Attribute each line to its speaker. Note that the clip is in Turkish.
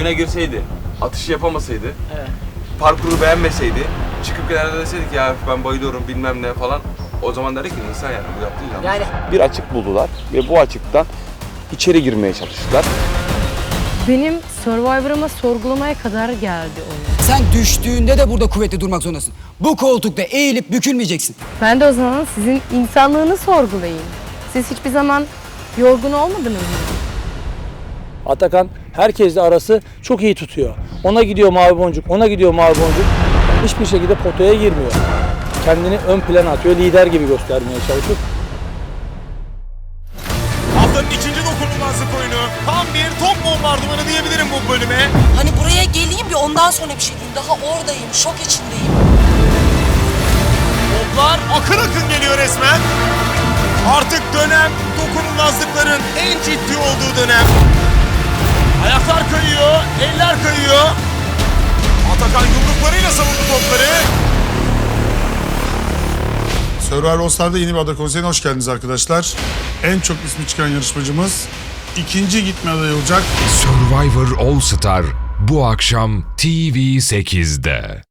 Speaker 1: oyuna girseydi, atışı yapamasaydı,
Speaker 2: Evet.
Speaker 1: parkuru beğenmeseydi, çıkıp genelde deseydik ya ben bayılıyorum bilmem ne falan, o zaman derdik ki insan yani bu yaptığı yanlış.
Speaker 2: Yani
Speaker 3: Bir açık buldular ve bu açıktan içeri girmeye çalıştılar.
Speaker 4: Benim Survivor'ıma sorgulamaya kadar geldi oyun.
Speaker 5: Sen düştüğünde de burada kuvvetli durmak zorundasın. Bu koltukta eğilip bükülmeyeceksin.
Speaker 4: Ben de o zaman sizin insanlığını sorgulayayım. Siz hiçbir zaman yorgun olmadınız mı?
Speaker 6: Atakan herkesle arası çok iyi tutuyor. Ona gidiyor mavi boncuk, ona gidiyor mavi boncuk. Hiçbir şekilde potaya girmiyor. Kendini ön plana atıyor, lider gibi göstermeye çalışıyor.
Speaker 7: Haftanın ikinci dokunulmazlık oyunu. Tam bir top bombardımanı diyebilirim bu bölüme.
Speaker 8: Hani buraya geleyim bir ondan sonra bir şey diyeyim. Daha oradayım, şok içindeyim.
Speaker 7: Toplar akın akın geliyor resmen. Artık dönem dokunulmazlıkların en ciddi olduğu dönem. Ayaklar kayıyor, eller kayıyor. Atakan yumruklarıyla savundu topları.
Speaker 9: Survivor All Star'da yeni bir ada konseyine hoş geldiniz arkadaşlar. En çok ismi çıkan yarışmacımız ikinci gitme adayı olacak.
Speaker 10: Survivor All Star bu akşam TV8'de.